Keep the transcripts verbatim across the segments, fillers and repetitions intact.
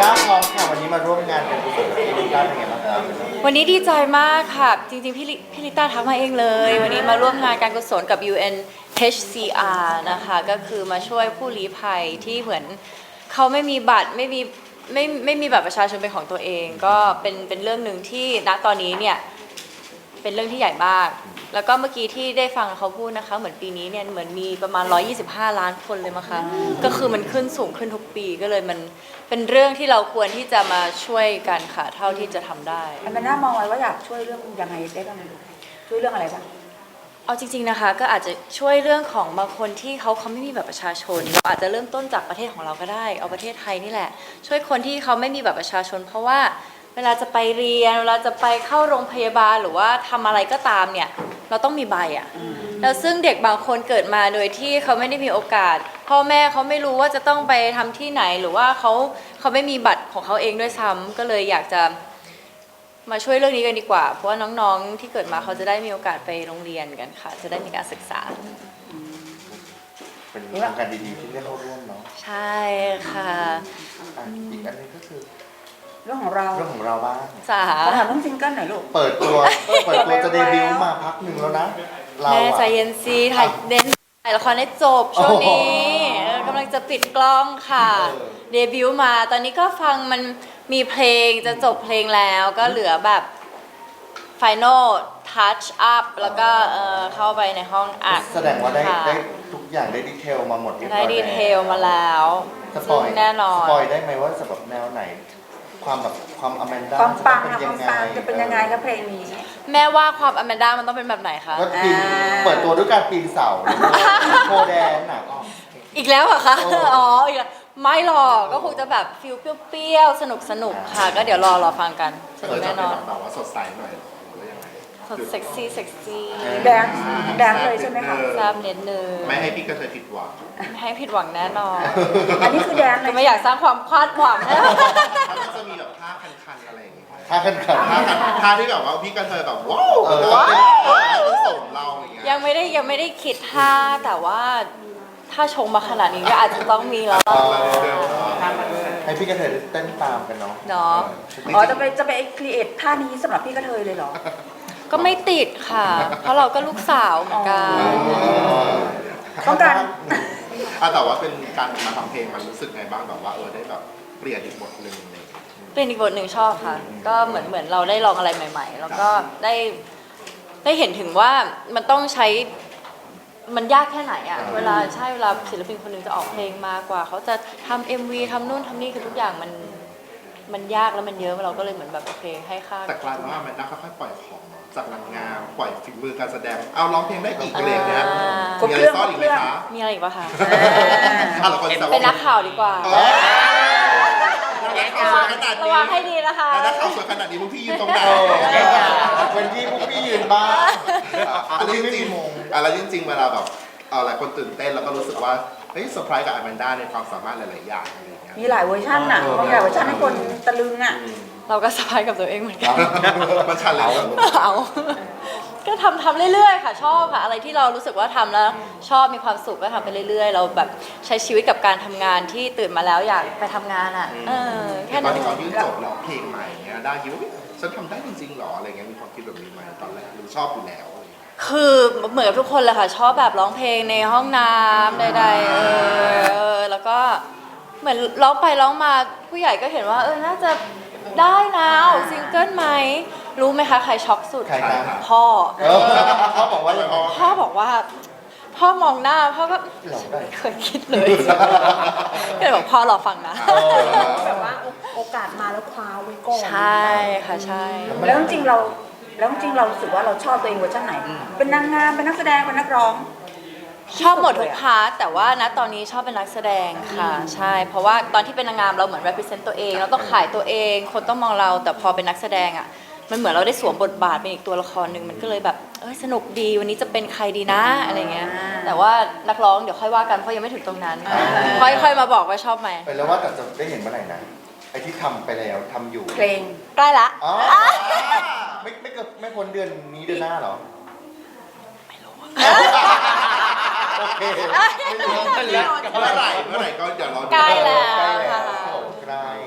ต้าพร้อมค่ะวันนี้มาร่วมงานกันกุศลกับพี่ลิต้าเป็นไงบ้างครับวันนี้ดีใจมากค่ะ จริงๆพี่ลิพี่ลิต้าทักมาเองเลย วันนี้มาร่วมงานการกุศลกับ ยู เอ็น เอช ซี อาร์ นะคะก็คือมาช่วยผู้ลี้ภัยที่เหมือนเขาไม่มีบัตรไม่มีไม่ไม่มีบัตรประชาชนเป็นของตัวเอง ก็เป็นเป็นเรื่องหนึ่งที่ณตอนนี้เนี่ยเป็นเรื่องที่ใหญ่มาก แล้วก็เมื่อกี้ที่ได้ฟังเขาพูดนะคะเหมือนปีนี้เนี่ยเหมือนมีประมาณหนึ่งร้อยยี่สิบห้าล้านคนเลยมั้งคะก็คือมันขึ้นสูงขึ้นทุกปีก็เลยมันเป็นเรื่องที่เราควรที่จะมาช่วยกันค่ะเท่าที่จะทำได้อันนั้นน่ามองไว้ว่าอยากช่วยเรื่องยังไงได้บ้างช่วยเรื่องอะไรบ้างเอาจริงๆนะคะก็อาจจะช่วยเรื่องของบางคนที่เขาเขาไม่มีแบบประชาชนเราอาจจะเริ่มต้นจากประเทศของเราก็ได้เอาประเทศไทยนี่แหละช่วยคนที่เขาไม่มีแบบประชาชนเพราะว่าเวลาจะไปเรียนเวลาจะไปเข้าโรงพยาบาลหรือว่าทำอะไรก็ตามเนี่ยเราต้องมีใบอ่ะแล้วซึ่งเด็กบางคนเกิดมาโดยที่เขาไม่ได้มีโอกาสพ่อแม่เขาไม่รู้ว่าจะต้องไปทำที่ไหนหรือว่าเขาเขาไม่มีบัตรของเขาเองด้วยซ้ำก็เลยอยากจะมาช่วยเรื่องนี้กันดีกว่าเพราะว่าน้องๆที่เกิดมาเขาจะได้มีโอกาสไปโรงเรียนกันค่ะจะได้มีการศึกษาเป็นโครงการดีๆที่ได้เข้าร่วมเนาะใช่ค่ะอีกอันนึงก็คือเรื่องของเราเรื่องของเราบ้างสาถามเรื่องซิงเกิลหน่อยลูกเปิดตัวเปิดตัวจะเดบิวต์มาพักหนึ่งแล้วนะเราแม่ใจเย็นซีถ่ายเน้นถ่ายละครให้จบช่วงนี้กำลังจะปิดกล้องค่ะเดบิวต์มาตอนนี้ก็ฟังมันมีเพลงจะจบเพลงแล้วก็เหลือแบบ Final Touch Up แล้วก็เข้าไปในห้องอัดแสดงว่าได้ได้ทุกอย่างได้ดีเทลมาหมดได้ดีเทลมาแล้วซึ่งแน่นอนสปอยได้ไหมว่าจะแบบแนวไหนความแบบความอแมนด้าความปังจะเป็นยังไงจะเป็นยังไงครับเพลงนี้แม่ว่าความอแมนด้ามันต้องเป็นแบบไหนคะก็ปีนเปิดตัวด้วยการปีนเสาโคแดนหนักอีกแล้วเหรอคะอ๋ออีกแล้วไม่หรอกก็คงจะแบบฟิลเปรี้ยวๆสนุกสนุกค่ะก็เดี๋ยวรอรอฟังกันแน่นอนแบบว่าสดใสหน่อยหรือยังไงสดเซ็กซี่เซ็กซี่แดนแดนเลยใช่ไหมคะทราบเน้นเนื้อไม่ให้พี่ก็เคยผิดหวังไม่ให้ผิดหวังแน่นอนอันนี้คือแดนเลยไม่อยากสร้างความคาดหวังนะมันจะมีแบบท่าคันๆอะไรอย่างเงี้ยท่าคันๆท่าท่าที่แบบว่าพี่ก็เคยแบบว้าวว้าวสมเราอย่างเงี้ยยังไม่ได้ยังไม่ได้คิดท่าแต่ว่าถ้าชงมาขนาดนี้ก็อาจจะต้องมีแล้วให้พี่กระเทยเต้นตามกันเนาะเนาะอ๋อจะไปจะไปครีเอทท่านี้สำหรับพี่กระเทยเลยเหรอก็ไม่ติดค่ะเพราะเราก็ลูกสาวเหมือนกันต้องการแต่ว่าเป็นการมาทำเพลงมันรู้สึกไงบ้างแบบว่าเออได้แบบเปลี่ยนอีกบทหนึ่งเลยเปลี่ยนอีกบทหนึ่งชอบค่ะก็เหมือนเหมือนเราได้ลองอะไรใหม่ๆแล้วก็ได้ได้เห็นถึงว่ามันต้องใช้มันยากแค่ไหนอะเวลาใช่เวลาศิลปินคนหนึ่งจะออกเพลงมากว่าเขาจะทำ เอ็ม วี ทำนู่นทำนี่คือทุกอย่างมันมันยากแล้วมันเยอะเราก็เลยเหมือนแบบโอเคให้ค่าแต่กลายเป็นว่ามันน่าค่อยๆปล่อยของจากนางงามปล่อยฝีมือการแสดงเอาร้องเพลงได้อีกอะไรเงี้ยมีอะไรซ่อนอีกไหมคะมีอะไรอีกปะคะเป็นนักข่าวดีกว่าระวังให้ดีนะคะนักข่าวสวยขนาดนี้พวกพี่ยืนตรงไหนเป็นที่พวกพี่ยืนบ้างอะไรจริงๆอะไรจริงๆเวลาแบบหลายคนตื่นเต้นแล้วก็รู้สึกว่าเฮ้ยเซอร์ไพรส์กับอแมนด้าในความสามารถหลายๆอย่างอะไรอย่างเงี้ยมีหลายเวอร์ชันอ่ะบางหลายเวอร์ชันให้คนตะลึงอ่ะเราก็เซอร์ไพรส์กับตัวเองเหมือนกันมันชันเลยเอาก็ทำทำเรื่อยๆค่ะชอบค่ะอะไรที่เรารู้สึกว่าทำแล้วชอบมีความสุขก็ทำไปเรื่อยๆเราแบบใช้ชีวิตกับการทำงานที่ตื่นมาแล้วอยากไปทำงานอ่ะเออแค่นั้นตอนที่เขายื่นจบแล้วเพลงใหม่เงี้ยได้คิดว่าฉันทำได้จริงๆหรออะไรเงี้ยมีความคิดแบบนี้ไหมตอนแรกหรือชอบอยู่แล้วคือเหมือนกับทุกคนเลยค่ะชอบแบบร้องเพลงในห้องน้ำใดๆเออแล้วก็เหมือนร้องไปร้องมาผู้ใหญ่ก็เห็นว่าเออน่าจะได้นะซิงเกิลไหมรู้ไหมคะใครช็อกสุดพ่อพ่อบอกว่าพ่อบอกว่าพ่อมองหน้าพ่อก็ไม่เคยคิดเลยก็เลยบอกพ่อรอฟังนะแบบว่าโอกาสมาแล้วคว้าไว้ก่อนใช่ค่ะใช่แล้วจริงเราแล้วจริงเรารู้สึกว่าเราชอบตัวเองเวอร์ชันไหนเป็นนางงามเป็นนักแสดงเป็นนักร้องชอบหมดทุกพาร์ทแต่ว่าณตอนนี้ชอบเป็นนักแสดงค่ะใช่เพราะว่าตอนที่เป็นนางงามเราเหมือน represent ตัวเองเราต้องขายตัวเองคนต้องมองเราแต่พอเป็นนักแสดงอ่ะมันเหมือนเราได้สวมบทบาทเป็นอีกตัวละครหนึ่งมันก็เลยแบบเออสนุกดีวันนี้จะเป็นใครดีนะอะไรเงี้ยแต่ว่านักร้องเดี๋ยวค่อยว่ากันเพราะยังไม่ถึงตรงนั้นค่อยๆมาบอกว่าชอบไหมไปแล้วว่าแต่จะได้เห็นเมื่อไหร่นะไอที่ทำไปแล้วทำอยู่เพลงใกล้ละไม่ไม่เกิดไม่พ้นเดือนนี้เดือนหน้าหรอไม่รู้โอเคเมื่อไหร่เมื่อไหร่ก็เดี๋ยวรอใกล้แล้วใกล้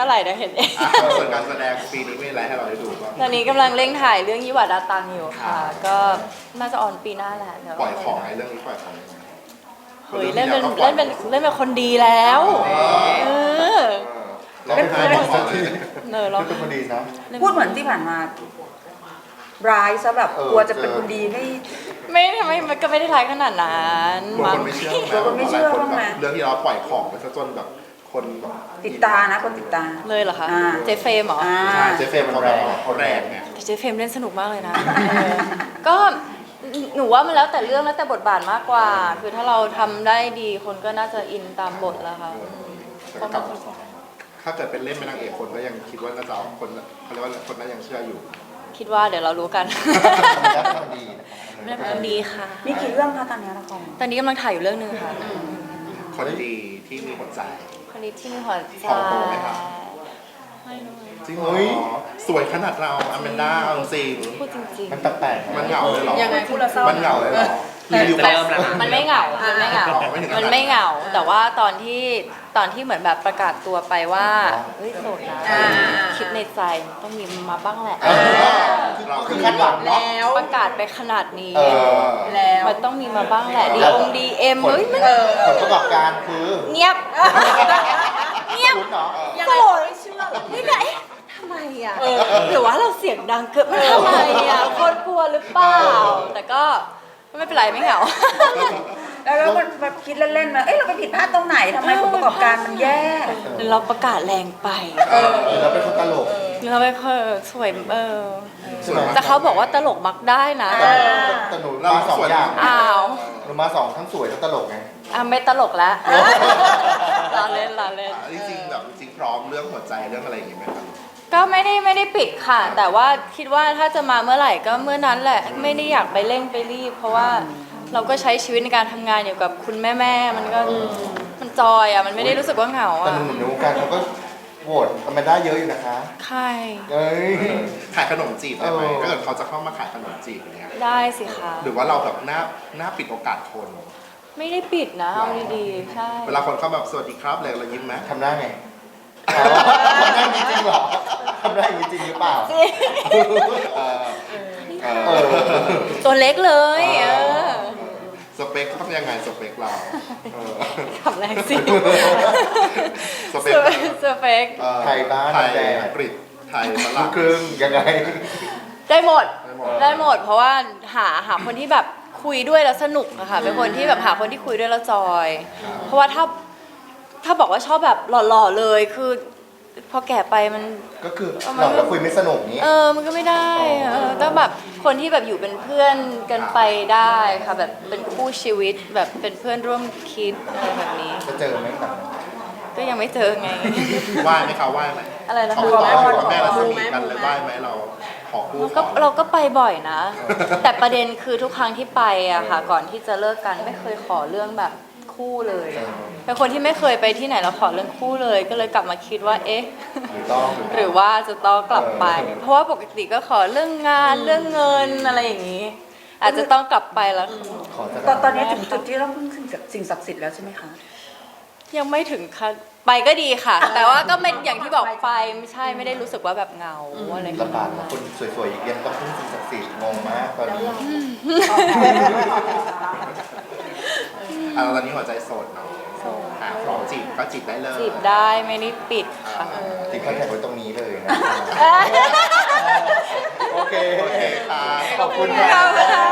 มื่อไหร่เดี๋ยวเห็นเองอ่ะส่วนการแสดงปีนี้มีอะไรให้เราได้ดูบ้างตอนนี้กำลังเร่งถ่ายเรื่องยี่หวาดาตังอยู่ค่ะ ก็น่าจะออนปีหน้าแหละเดี๋ยวปล่อยของไงเรื่องนี้ปล่อยของเฮ้ยเล่นเป็นเล่นเป็นเล่นเป็นคนดีแล้วเออเราไม่ให้บอกก่อนเลยเนอเราไม่เป็นคนดีนะพูดเหมือนที่ผ่านมาร้ายซะแบบเออกลัวจะเป็นคนดีไม่ไม่ทำไมมันก็ไม่ได้ร้ายขนาดนั้นบางมั้คงนไม่เชื่อเดี๋ยวคนไม่เชื่อบ้างไหมเรื่องที่เราปล่อยของไปซะจนแบบคนแบบติดตานะคนติดตาเลยเหรอคะอ่าเจฟเฟรมเหรออ่าใช่เจฟเฟรมเขาแบบเขาแรงไงแต่เจฟเฟรมเล่นสนุกมากเลยนะเออก็หนูว่ามันแล้วแต่เรื่องแล้วแต่บทบาทมากกว่า คือถ้าเราทำได้ดีคนก็น่าจะอินตามบทแล้วค่ะแต่กับถ้าเกิดเป็นเล่นเป็นนางเอกคนก็ยังคิดว่าน่าจะเอาคนเขาเรียกว่าคนนั้นยังเชื่ออยู่คิดว่าเดี๋ยวเรารู้กันรักคนดีนะไม่ได้เป็นคนดีค่ะมีกี่เรื่องคะตอนนี้ละครตอนนี้กำลังถ่ายอยู่เรื่องหนึ่งค่ะคนดีที่มีหัวใจคนนี้ที่มีหัวใจผอมโตไหมครับไม่รู้จริงเหรอสวยขนาดเราอแมนด้าเอาจริงพูดจริงมันแปลกๆมันเหงาเลยเหรอยังไงพูดแล้วเศร้ามันเหงาเลยเหรอรีวิวเริ่มแล้วค่ะๆ มันไม่เหงา มันไม่เหงาอ๋อไม่ถึงขนาดนั้นมันไม่เหงา แต่ว่าตอนที่ตอนที่เหมือนแบบประกาศตัวไปว่าเฮ้ยโสดนะอ่าคิดในใจต้องมีมาบ้างแหละเออคือคือคาดหวังเนาะประกาศไปขนาดนี้เออแล้วมันต้องมีมาบ้างแหละดีองดีเอ็มผลเฮ้ยมันผลประกอบการคือเงียบ เงียบคุณเนาะโสดนี่ไงเอ๊ะทำไมอ่ะหรือว่าเราเสียงดังเกินมันทำไมอ่ะคนกลัวหรือเปล่า แต่ก็ไม่เป็นไรไม่เหงาแล้วแล้วมันแบบคิดเล่นๆมาเอ้ยเราไปผิดพลาดตรงไหนทำไมผลประกอบการมันแย่หรือเราประกาศแรงไปเออเราเป็นคนตลกหรือเราไม่ค่อยสวยเออสวยมากแต่เขาบอกว่าตลกมักได้นะเออแต่หนูมาสองอย่างอ้าวหนูมาสองทั้งสวยทั้งตลกไงอ่ะไม่ตลกแล้วลาเล่นลาเล่นจริงๆแบบจริงๆพร้อมเรื่องหัวใจเรื่องอะไรอย่างงี้ไหมครับก็ไม่ได้ไม่ได้ปิดค่ะ แต่ว่าคิดว่าถ้าจะมาเมื่อไหร่ก็เมื่อนั้นแหละ ไม่ได้อยากไปเร่งไปรีบ เพราะว่าเราก็ใช้ชีวิตในการทำงานอยู่กับคุณแม่แม่ๆมันก็มันจอยอ่ะมันไม่ได้รู้สึกว่าเหงาแต่อ่ะหนุ่มๆในวงการเขาก็โหวตอแมนด้าเยอะอยู่นะคะใครเอ้ยขายขนมจีบได้ไหมเออถ้าเกิดเขาจะเข้ามาขายขนมจีบอย่างเงี้ยได้สิคะหรือว่าเราแบบหน้าหน้าปิดโอกาสคนไม่ได้ปิดนะเอาดีๆใช่เวลาคนเข้าแบบสวัสดีครับเลยเรายิ้มไหมทำได้ไงอ๋อทำได้จริงๆเหรอทำได้จริงๆหรือเปล่าจริงเออเอเอออตัวเล็กเลยเออสเปคต้องยังไงสเปคเราเออทำแรงสิสเปเซคอร์เซอร์เฟกเอ่อไทยบ้านไทยแดงอังกฤษไทยฝลูรั่กงครึ่งยังไงได้หมดได้หมดได้หมด เพราะว่าหาหาคนที่แบบคุยด้วยแล้วสนุกอะค่ะเป็นคนที่แบบหาคนที่คุยด้วยแล้วจอย เพราะว่าถ้าถ้าบอกว่าชอบแบบหล่อๆเลยคือ พอแก่ไปมันก็คือหลอกแล้วคุยไม่สนุกนี้เออ มันก็ไม่ได้เออต้องแบบคนที่แบบอยู่เป็นเพื่อนกันไปได้ค่ะแบบเป็นคู่ชีวิตแบบเป็นเพื่อนร่วมคิดอะไรแบบนี้จะเจอไหมแบบก็ยังไม่เจอไงไหว้ไหมคะไหว้ไหมอะไรนะขอคะต่ออยู่กับแม่รัศมีกันเลยไหว้ไหมเราขอคู่เราขก็อเราก็ไปบ่อยนะ แต่ประเด็นคือทุกครั้งที่ไปอะค่ะ ก่อนที่จะเลิกกันไม่เคยขอเรื่องแบบคู่เลยเป็นคนที่ไม่เคยไปที่ไหนแล้วขอเรื่องคู่เลย ก็เลยกลับมาคิดว่าเอ๊ะหรือต้องหรือว่าจะต้องกลับไป เพราะว่าปกติก็ขอเรื่องงานเรื่องเงินอะไรอย่างนี้ อาจจะต้องกลับไปแล้วขอจะตอนตอนนี้ถึงจุดที่ต้องพึ่งสิ่งศักดิ์สิทธิ์แล้วใช่ไหมคะยังไม่ถึงค่ะไปก็ดีค่ะ แต่ว่าก็ไม่อย่างที่บอกไปไม่ใช่ไม่ได้รู้สึกว่าแบบเหงาอะไรขลำบากนาดนะนั้นคนสวยๆอีกเย็นต้องพึ่งสิ่งศักดิ์สิทธิ์งงมากตอนนี้อ่ะตอนนี้หัวใจโสดเนาะโสดอ่ะพร้อมจีบก็จีบได้เลยจีบได้ไม่ได้ปิดค่ะติดคอนแทคไว้ตรงนี้เลยนะ โอเคโอเคค่ะขอบคุณขอบคุณค่ะค่ะ